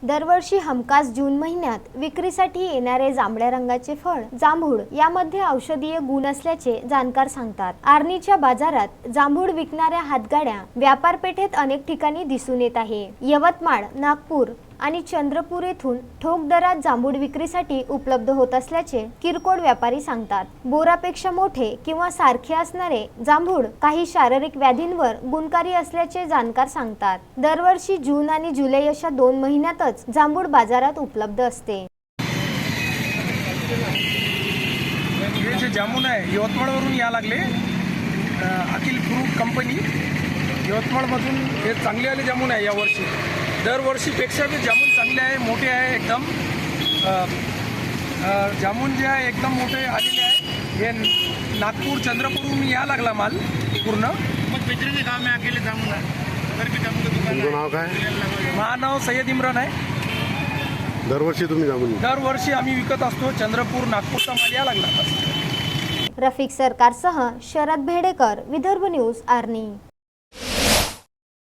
दरवर्षी हमखास जून महिन्यात विक्रीसाठी येणारे जांभळ्या रंगाचे फळ जांभूळ यामध्ये औषधीय गुण असल्याचे जाणकार सांगतात। आर्णीच्या बाजारात जांभूळ विकणाऱ्या हातगाड्या व्यापार पेठेत अनेक ठिकाणी दिसून येत आहे। यवतमाळ, नागपूर आणि चंद्रपूर येथून ठोक दरात जांभूळ विक्रीसाठी उपलब्ध होत असल्याचे किरकोळ व्यापारी सांगतात। बोरापेक्षा मोठे किंवा सारखे असणारे जांभूळ काही शारीरिक व्याधींवर गुणकारी असल्याचे जाणकार सांगतात। दरवर्षी जून आणि जुलै अशा 2 महिन्यातच जांभूळ बाजारात उपलब्ध असते। हे जे जामुन आहे यवतमाळवरून या लागले, अखिल फ्रूट कंपनी यवतमाळमधून हे चांगले आले जामुन आहे यावर्षी। दरवर्षीपेक्षा बी जामुन चांगले आहे, मोठे आहे एकदम। जामुन जे आहे एकदम मोठे आलेले आहे। हे नागपूर चंद्रपूरहून या लागला माल पूर्ण। मग बेचण्याचे काम आहे अकेले जामुन आहे। नाव काय? माझं नाव सय्यद इम्रान आहे। दरवर्षी तुम्ही जामुन दरवर्षी आम्ही विकत असतो। चंद्रपूर नागपूरचा माल या लागला। रफिक सरकारसह शरद भेडेकर, विदर्भ न्यूज, आर्णी।